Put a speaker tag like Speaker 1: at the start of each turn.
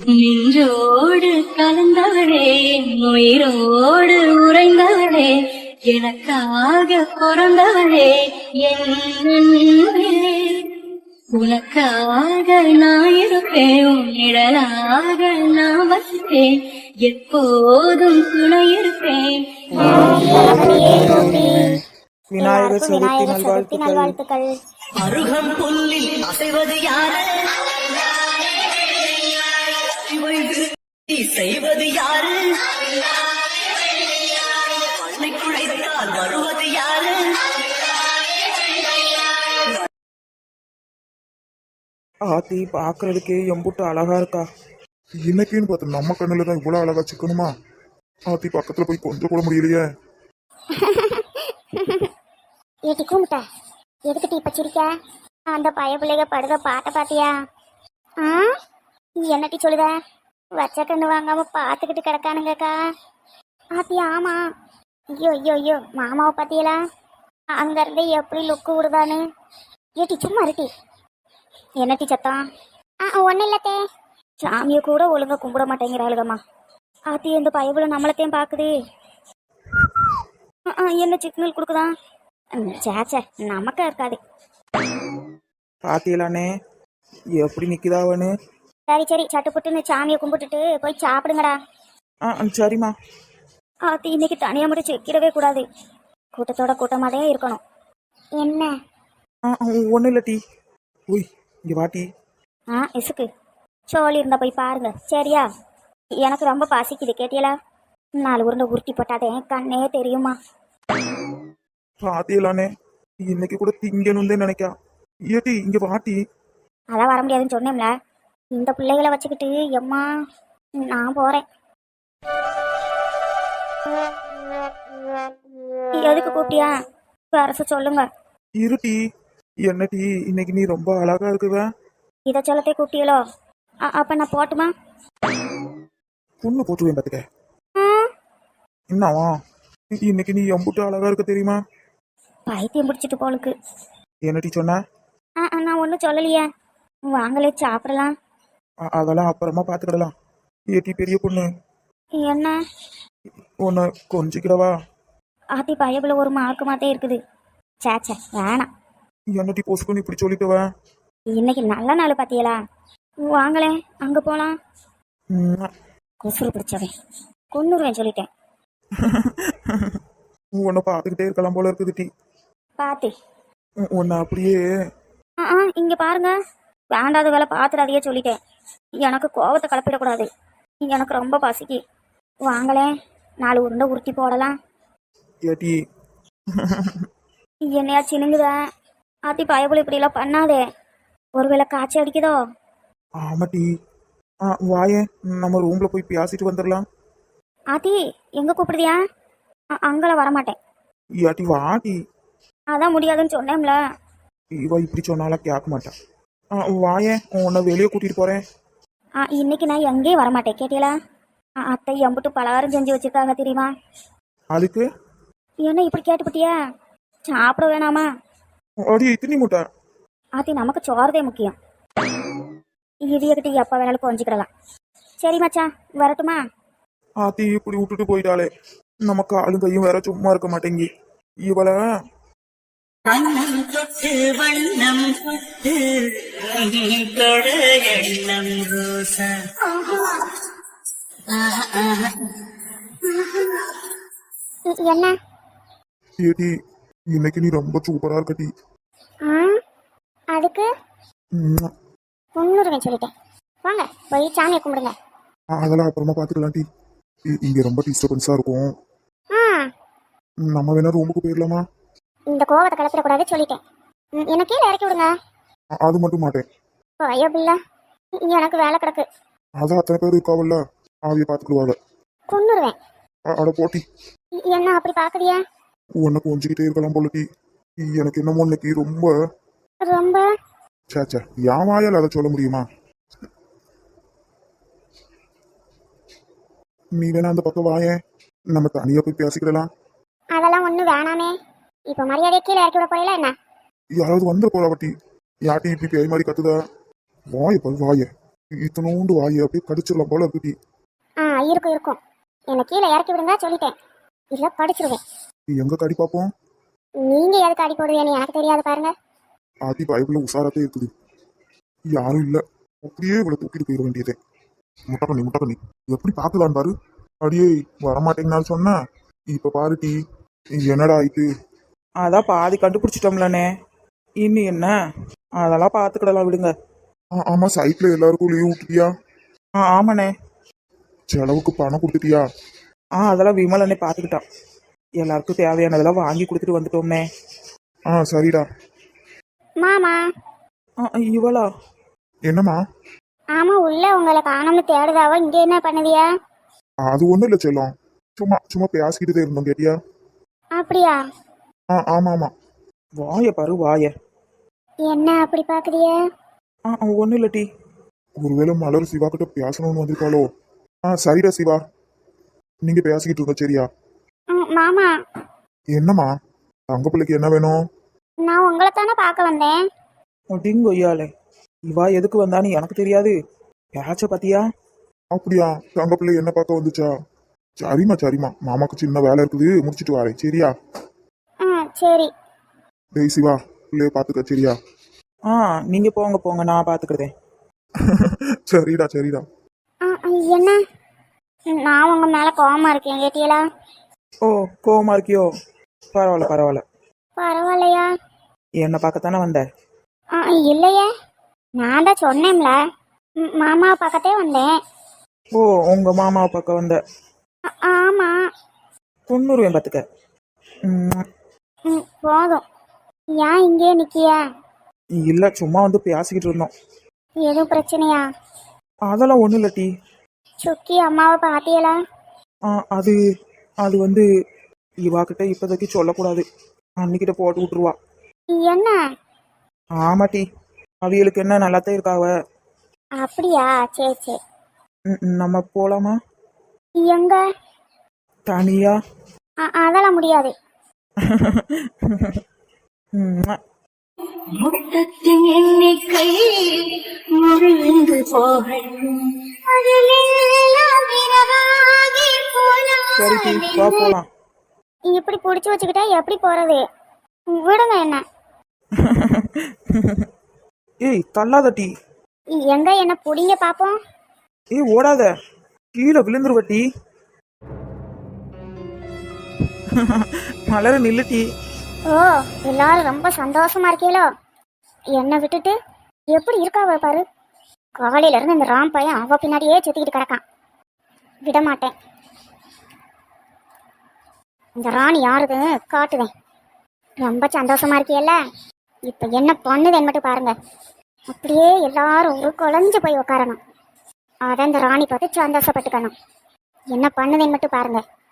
Speaker 1: நின்றோடு கலந்தவளே, உயிரோடு உறைந்தவளே, எனக்காக பிறந்தவளே, என் அன்பே. உனக்காக நான் இருப்பேன், உன் நிழலாக நான் வசிப்பேன், எப்போதும் துணை இருப்பேன்.
Speaker 2: விநாயகர் சதுர்த்தி நல்வாழ்த்துக்கள்.
Speaker 1: அருகம் புல்லில் அசைவது யாரு, செய்வது யாரு, மண்ணை குழைத்தால் வருவது யாரு.
Speaker 2: ஆத்தி பாக்குறதுக்கே எம்புட்டு அழகா இருக்கா.
Speaker 3: இன்னைக்குன்னு பார்த்து நம்ம கண்ணுல தான் இவ்வளவு அழகா சிக்கணுமா? ஆத்தி பக்கத்துல போய் கொஞ்சம் கூட முடியலையே.
Speaker 4: ஏட்டி கூமிட்ட எதுக்கு டீ பச்சிருக்க? அந்த பய பிள்ளைக படுக பாட்ட பாத்தியா? என்ன டீ சொல்லுத? வச்ச கண்ணு வாங்காம பாத்துக்கிட்டு கிடக்கானுங்கக்கா. ஆத்தி ஆமா. ஐயோ ஐயோ ஐயோ மாமாவை பாத்தியலா? அங்க இருந்து எப்படி லுக்கு விடுதானு. ஏட்டி சும்மா இருட்டி. என்ன டீ சத்தம்? ஒன்னும் இல்லத்தே. சாமியை கூட ஒழுங்கா கும்பிட மாட்டேங்கிறாளுகம்மா. ஆத்தி இந்த பயபுல நம்மளத்தையும் பாக்குது. என்ன சிக்னல் கொடுக்குதான்? சேச்சே நமக்கா இருக்காது.
Speaker 2: பாத்தியலானே எப்படி நிக்குதாவனு.
Speaker 4: சரி சரி சட்டுப்புட்டுன்னு சாமியை கும்பிட்டுட்டு போய் சாப்பிடுங்கடா.
Speaker 2: சரிம்மா.
Speaker 4: ஆத்தி இன்னைக்கு தனியாக மட்டும் செக்கிடவே கூடாது. கூட்டத்தோட கூட்டமாதே இருக்கணும். என்ன?
Speaker 2: ஒன்றும் இல்லை டீ. ஓய் இங்கே வாட்டி.
Speaker 4: இசுக்கு சோழி இருந்தா போய் பாருங்க சரியா? எனக்கு ரொம்ப பசிக்குது கேட்டியலா? 4 உருண்டை உருட்டி போட்டாதே கண்ணே தெரியுமா?
Speaker 2: பாத்தியலானே இன்னைக்கு கூட திங்கணும்னு நினைக்கா. ஏட்டி இங்க வாட்டி.
Speaker 4: அதான் வர முடியாதுன்னு சொன்னேன்ல. இந்த பிள்ளைகளை வச்சுக்கிட்டு எம்மா நான் போறேன். எதுக்கு கூப்பிட்டியா? அரசு சொல்லுங்க.
Speaker 2: இருட்டி. என்ன டீ இன்னைக்கு நீ ரொம்ப அழகா இருக்குவ.
Speaker 4: இதை சொல்லத்தே கூப்பிட்டியலோ? அப்ப நான் போட்டுமா?
Speaker 2: பொண்ணு போட்டுவேன் பார்த்துக்க. என்னவா இன்னைக்கு நீ எம்புட்டு அழகா இருக்க தெரியுமா?
Speaker 4: பைத்தியம் பிடிச்சிட்டு போலுக்கு.
Speaker 2: என்ன டீ சொன்ன?
Speaker 4: நான் ஒன்றும் சொல்லலையே. வாங்களே சாப்பிடலாம்.
Speaker 2: அதெல்லாம் அப்புறமா பார்த்துக்கிடலாம். ஏட்டி பெரிய பொண்ணு
Speaker 4: என்ன?
Speaker 2: உன்னை கொஞ்சிக்கிறவா?
Speaker 4: ஆத்தி பயபுல ஒரு மார்க்கு மாத்தே இருக்குது. சேச்சே வேணாம்.
Speaker 2: என்ன டீ பொசுக்குன்னு இப்படி சொல்லிட்டுவ?
Speaker 4: இன்னைக்கு நல்ல நாள் பாத்தியலா? வாங்களே அங்க போலாம். குசுறு பிடிச்சவன் கொன்னுருவேன் சொல்லிட்டேன்.
Speaker 2: உன்னை பார்த்துக்கிட்டே இருக்கலாம் போல இருக்குது டீ.
Speaker 4: பாத்து
Speaker 2: உன்னை அப்படியே.
Speaker 4: இங்க பாருங்க. வேண்டாத வேலை பாத்துடாதையே சொல்லிட்டேன். எனக்கு கோவத்தை கலப்பிடக்கூடாது. எனக்கு ரொம்ப பசிக்கு. வாங்களே 4 உருண்டை உருட்டி போடலாம்.
Speaker 2: ஏட்டி
Speaker 4: என்னையா சினுங்குத? ஆத்தி பயபுல இப்படி எல்லாம் பண்ணாதே. ஒருவேளை காய்ச்சி அடிக்குதோ?
Speaker 2: ஆமா டீ. வாயே நம்ம ரூம்ல போய் பேசிட்டு வந்துடலாம்.
Speaker 4: ஆத்தி எங்க கூப்பிடுதியா? அங்கெல்லாம் வரமாட்டேன்.
Speaker 2: ஏட்டி வாட்டி.
Speaker 4: அதான் முடியாதுன்னு சொன்னேன்ல.
Speaker 2: இவ இப்படி சொன்னாலும் கேட்க மாட்டான். வாயே உன்னை வெளியே கூட்டிட்டு போறேன்.
Speaker 4: இன்னைக்கு நான் எங்கேயும் வரமாட்டேன் கேட்டீங்களா? அத்தை எம்புட்டு பலகாரம் செஞ்சு வச்சிருக்காங்க தெரியுமா?
Speaker 2: அதுக்கு
Speaker 4: என்ன இப்படி கேட்டுப்பட்டியா? சாப்பிட வேணாமா?
Speaker 2: அடி இத்தனி முட்டை.
Speaker 4: ஆத்தி நமக்கு சோறதே முக்கியம். இடியக்கிட்ட எப்போ வேணாலும் கொஞ்சிக்கிடலாம். சரி மச்சா வரட்டுமா?
Speaker 2: ஆத்தி இப்படி விட்டுட்டு போயிட்டாலே நமக்கு ஆளுங்கையும் வேற சும்மா இருக்க மாட்டேங்கி. இவளை
Speaker 1: வண்ணம் தொட்டு வண்ணம் தொட்டு தொட எண்ணம் ரோசா.
Speaker 4: என்ன?
Speaker 3: ஏடி இன்னைக்கு நீ ரொம்ப சூப்பரா இருக்க டீ.
Speaker 4: அதுக்கு முன்னுரிமை சொல்லிட்டேன். வாங்க போய் சாமியை கும்பிடுங்க.
Speaker 3: அதெல்லாம் அப்புறமா பாத்துக்கலாம் டீ. இங்க ரொம்ப டிஸ்டர்பன்ஸா இருக்கும். நம்ம வேணா ரூமுக்கு போயிடலாமா?
Speaker 4: இந்த கோவத்தை கலப்பிடக்கூடாது சொல்லிட்டேன். என்ன கீழே இறக்கி விடுங்க.
Speaker 3: அது மட்டும் மாட்டேன்.
Speaker 4: ஐயோ பிள்ளை எனக்கு வேலை கிடக்கு.
Speaker 3: அதான் அத்தனை பேர் இருக்காவல்ல ஆவிய பாத்துக்கிடுவாங்க.
Speaker 4: கொன்னுருவேன்.
Speaker 3: அட போட்டி.
Speaker 4: என்ன அப்படி பாக்குறியா?
Speaker 3: உன்னை கொஞ்சிக்கிட்டே இருக்கலாம் போல டீ. எனக்கு என்னமோ இன்னைக்கு ரொம்ப
Speaker 4: ரொம்ப
Speaker 3: சேச்சா என் வாயால் அதை சொல்ல முடியுமா? நீ வேணா அந்த பக்கம் வாயேன், நம்ம தனியா போய் பேசிக்கிடலாம்.
Speaker 4: அதெல்லாம் ஒண்ணு வேணாமே. இப்ப மரியாதை கீழே இறக்கி விட போறீங்களா என்ன?
Speaker 3: யாராவது வந்துட போறா வட்டி. யாட்டி இப்படி பேய் மாதிரி கத்துதா? வாய பாரு வாய. இத்தனோண்டு வாயை அப்படியே கடிச்சிடலாம் போல இருக்கு டீ.
Speaker 4: இருக்கும் இருக்கும். என்னை கீழே இறக்கி விடுங்க சொல்லிட்டேன். இல்லை படிச்சிருவேன்.
Speaker 3: எங்க கடி பார்ப்போம்.
Speaker 4: நீங்க எதுக்கு அடி போடுவீங்கன்னு எனக்கு தெரியாது பாருங்க.
Speaker 3: ஆத்தி பைபிள்ல உசாராத்தே இருக்குது. யாரும் இல்ல, அப்படியே இவளை தூக்கிட்டு போயிட வேண்டியதே. முட்டை பண்ணி எப்படி பார்க்கலான்னு பாரு. அடியே வரமாட்டேங்கன்னு சொன்ன, இப்ப பாரு டீ என்னடா ஆயிட்டு.
Speaker 2: அதான் பாதி கண்டுபிடிச்சிட்டோம்லண்ணே, இன்னும் என்ன, அதெல்லாம் பார்த்துக்கிடலாம் விடுங்க.
Speaker 3: ஆமா, சைட்ல எல்லாருக்கும் லீவ் விட்டுட்டியா?
Speaker 2: ஆமாண்ணே.
Speaker 3: செலவுக்கு பணம் கொடுத்துட்டியா?
Speaker 2: அதெல்லாம் விமல் அண்ணே பார்த்துக்கிட்டான். எல்லாருக்கும் தேவையானதெல்லாம் வாங்கி கொடுத்துட்டு வந்துட்டோம்னே.
Speaker 3: சரிடா.
Speaker 4: மாமா.
Speaker 2: இவளா?
Speaker 3: என்னம்மா?
Speaker 4: ஆமா, உள்ள உங்களை காணோம்னு தேடுதாவோ, இங்க என்ன பண்ணுதியா?
Speaker 3: அது ஒண்ணும் இல்ல செல்லம், சும்மா பேசிக்கிட்டே இருந்தோம், கேட்டியா?
Speaker 4: அப்படியா?
Speaker 3: ஆமா.
Speaker 2: வாய பாரு வாய.
Speaker 4: என்ன அப்படி பாக்குறிய?
Speaker 2: ஒன்றும் இல்லை டீ.
Speaker 3: ஒருவேளை மலர் சிவா கிட்ட பேசணும்னு வந்திருக்காளோ? சரிடா சிவா, நீங்க பேசிக்கிட்டு இருங்க, சரியா?
Speaker 4: மாமா.
Speaker 3: என்னம்மா? தங்க பிள்ளைக்கு என்ன வேணும்?
Speaker 4: நான் உங்களை தானே பார்க்க வந்தேன்.
Speaker 2: டிங்கு ஐயாலே, இவா எதுக்கு வந்தான்னு எனக்கு தெரியாது. யாராச்சும் பாத்தியா?
Speaker 3: அப்படியா? தங்க பிள்ளை என்ன பார்க்க வந்துச்சா? சரிம்மா, மாமாக்கு சின்ன வேலை இருக்குது, முடிச்சிட்டு வரேன், சரியா?
Speaker 4: சரி.
Speaker 3: டேய் சிவா, பிள்ளைய பாத்துக்க, சரியா?
Speaker 2: நீங்க போங்க, நான் பாத்துக்கிறேன்.
Speaker 3: சரிடா.
Speaker 4: என்ன? நான் உங்க மேல கோவமா இருக்கேன், கேட்டியலா?
Speaker 2: ஓ, கோவமா இருக்கியோ? பரவாயில்ல.
Speaker 4: பரவாயில்லையா?
Speaker 2: என்ன பார்க்கத்தானே வந்த?
Speaker 4: இல்லையே, நான் தான் சொன்னேன்ல, மாமா பக்கத்தே வந்தேன்.
Speaker 2: ஓ, உங்க மாமாவை பார்க்க வந்த?
Speaker 4: ஆமா.
Speaker 2: தொண்ணூறுவேன் பார்த்துக்க.
Speaker 4: போதும். ஏன் இங்கே நிக்கியா?
Speaker 2: இல்ல, சும்மா வந்து பேசிக்கிட்டு இருந்தோம்.
Speaker 4: எதுவும் பிரச்சனையா?
Speaker 2: அதெல்லாம் ஒண்ணும் இல்ல டீ.
Speaker 4: சுக்கி அம்மாவை பாத்தியலா?
Speaker 2: அது வந்து இவா கிட்ட இப்போதைக்கு சொல்லக்கூடாது, அன்னிக்கிட்ட போட்டு விட்டுருவா.
Speaker 4: என்ன?
Speaker 2: ஆமா டீ, அவிகளுக்கு என்ன நல்லாத்தான் இருக்காவ.
Speaker 4: அப்படியா? சரி.
Speaker 2: நம்ம போலாமா?
Speaker 4: எங்க?
Speaker 2: தனியா?
Speaker 4: அதெல்லாம் முடியாது.
Speaker 1: முட்டத்தின் எண்ணிக்கை முழுந்து போகணும்.
Speaker 2: சரி டீ, வா போலாம்.
Speaker 4: இப்படி புடிச்சு வச்சுக்கிட்டா எப்படி போறது? விடுங்க என்ன.
Speaker 2: ஏய் தள்ளாத டீ.
Speaker 4: எங்க என்ன புடிங்க பாப்போம்.
Speaker 2: ஏய் ஓடாத, கீழே விழுந்துருவ டீ. மலர நில்லு டீ.
Speaker 4: ஓ, எல்லாரும் ரொம்ப சந்தோஷமா இருக்கீங்களோ? என்னை விட்டுட்டு எப்படி இருக்காவ பாரு. காலையில இருந்து இந்த ராம் பையன் அவ பின்னாடியே சுத்திக்கிட்டு கிடக்கான். விட மாட்டேன். இந்த ராணி யாருதுன்னு காட்டுவேன். ரொம்ப சந்தோஷமா இருக்கியல்ல, இப்ப என்ன பண்ணுதுன்னு மட்டும் பாருங்க. அப்படியே எல்லாரும் ஒரு குழஞ்சு போய் உட்காரணும். அதான் இந்த ராணி பார்த்து சந்தோஷப்பட்டுக்கணும். என்ன பண்ணுதுன்னு மட்டும் பாருங்க.